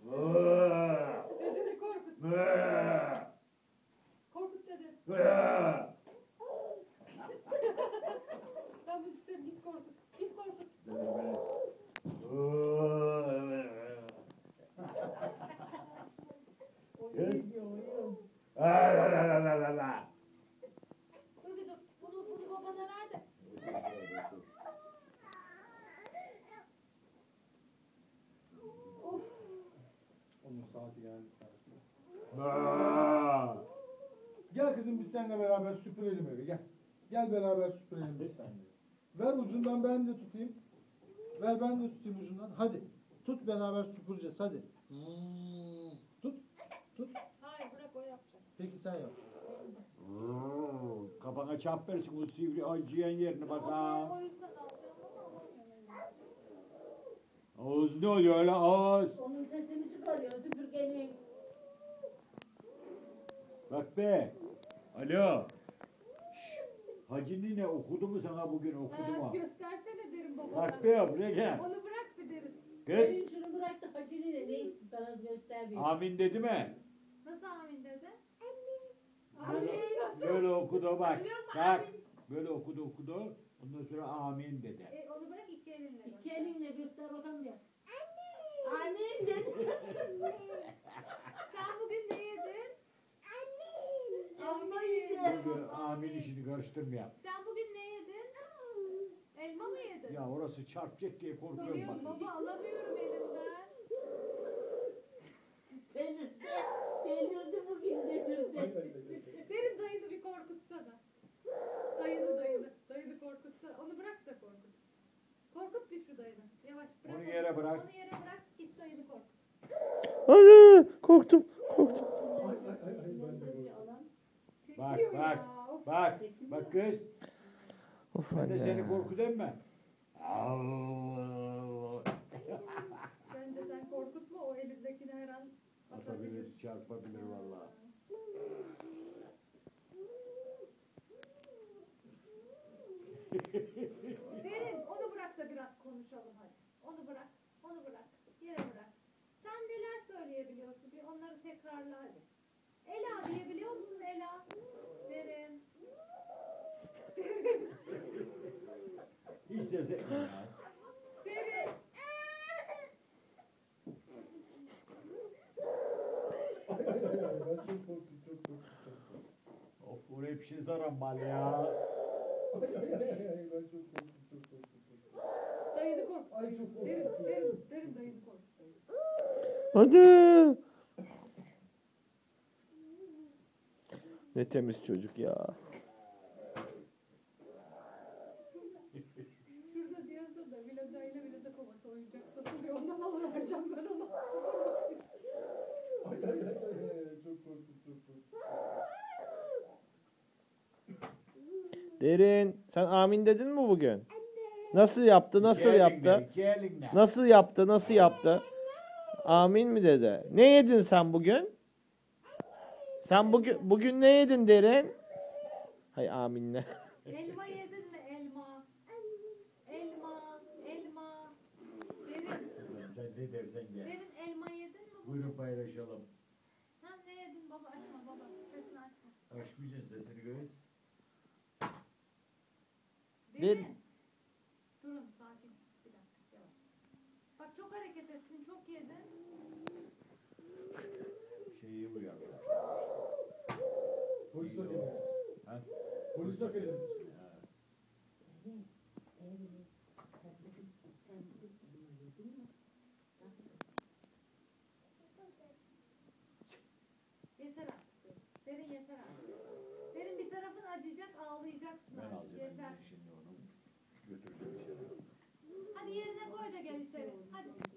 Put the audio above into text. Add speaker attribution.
Speaker 1: Dedeni korkut. Korkut dede. Ben bu sistemi git korkut. Git korkut. Dur bir dur. Bunu babana ver de.
Speaker 2: Onun saati geldi. Gel kızım biz seninle beraber süpürelim evi gel. Gel beraber süpürelim biz seninle. Ver ucundan ben de tutayım. Ver ben de tutayım ucundan. Hadi. Tut beraber süpüreceğiz hadi. Tut. Tut.
Speaker 1: Hayır bırak o yapacak.
Speaker 2: Peki sen yap.
Speaker 3: Kafana çap versin o sivri acıyan yerini bak ha.
Speaker 1: O yüzden alacağım ama alamıyorum.
Speaker 3: Ağız ne oluyor öyle ağız?
Speaker 4: Onun sesini çıkarıyor süpürgenin.
Speaker 3: Bak be. Alo. Hacı nine okudu mu sana bugün okudu mu?
Speaker 1: Göstersene derim babana.
Speaker 3: Bak be buraya gel.
Speaker 1: Onu bırak bir derim.
Speaker 3: Kız.
Speaker 4: Benim şunu bıraktı Hacı'nın ne itti sana göster bir.
Speaker 3: Amin dedi mi?
Speaker 1: Nasıl amin dedi?
Speaker 3: Böyle okudu bak.
Speaker 1: Biliyorum,
Speaker 3: Bak.
Speaker 1: amin.
Speaker 3: Böyle okudu. Ondan sonra amin dedi.
Speaker 1: Onu bırak iki elinle.
Speaker 4: İki elinle göster bakalım ya. Anne. Anne dedi.
Speaker 1: Sen bugün ne yedin?
Speaker 4: Elma yedi.
Speaker 3: Böyle amin işini karıştırmayalım.
Speaker 1: Sen bugün ne yedin? Elma mı yedin?
Speaker 3: Ya orası çarpacak diye korkuyorum
Speaker 1: Biliyorum
Speaker 3: bak.
Speaker 1: baba alamıyorum elimden.
Speaker 4: Delirdi bugün delirdi.
Speaker 1: Derin dayını bir korkutsana. Dayını korkutsana. Onu bırak da korkut. Korkut bir şu dayını. Yavaş bırak.
Speaker 3: Onu yere bırak.
Speaker 1: Onu yere bırak. Git dayını korkut.
Speaker 5: Hadi korktum.
Speaker 3: Bak
Speaker 1: Çekiyor
Speaker 3: bak.
Speaker 1: ya. Of.
Speaker 3: Bak. Bak kız.
Speaker 5: Of
Speaker 3: Ben de seni
Speaker 5: anne.
Speaker 3: korkutayım mı?
Speaker 1: Bence sen korkutma o elindekini her an atabilir.
Speaker 3: Atabilir, çarpabilir vallahi.
Speaker 1: Derin onu bırak da biraz konuşalım hadi. Onu bırak. Yere bırak. Sen neler söyleyebiliyorsun? Bir onları tekrarla hadi. Ela diyebiliyor musun Ela? Derin.
Speaker 3: Hiç ses etme ya.
Speaker 1: Derin.
Speaker 2: Ben çok korktum çok korktum.
Speaker 3: Of bu hep şey zaran mal ya.
Speaker 2: Ben çok korktum.
Speaker 1: Dayını korkut.
Speaker 2: Ay çok korktum.
Speaker 1: Derin dayını korkut.
Speaker 5: Hadi. Ne temiz çocuk ya.
Speaker 1: Şurada diyorsa da Vilada ile Vilada kovası oyuncak satılıyor. Ondan alıvereceğim ben onu.
Speaker 2: Ay çok korktum.
Speaker 5: Derin, sen amin dedin mi bugün? Nasıl yaptı? Nasıl
Speaker 3: İki
Speaker 5: yaptı?
Speaker 3: elinle, iki elinle.
Speaker 5: Nasıl yaptı? Nasıl yaptı? Amin mi dedi? Ne yedin sen bugün? Sen bugün ne yedin Derin? Hay aminle.
Speaker 1: Elma yedin mi elma? Elma. Derin.
Speaker 3: Sen ne dersen gel.
Speaker 1: Derin elma yedin mi bugün?
Speaker 3: Buyurun paylaşalım.
Speaker 1: Ha ne yedin baba açma baba. Sesini açma.
Speaker 3: Açmayacaksın sesini göz.
Speaker 1: Derin. Durun sakin. Bir dakika yavaş. Bak çok hareket ettin çok yedin.
Speaker 3: Şeyi bu ya.
Speaker 2: Polis akademisi.
Speaker 3: Ha?
Speaker 2: Polis akademisi.
Speaker 3: Ha.
Speaker 1: Yeter artık. Derin yeter artık. Derin bir tarafın acıyacak ağlayacaksın
Speaker 3: Ben
Speaker 1: artık.
Speaker 3: alacağım
Speaker 1: Yeter.
Speaker 3: şimdi onu. Götüreceğim içeri.
Speaker 1: Hadi yerine koy da gel içeri. Hadi.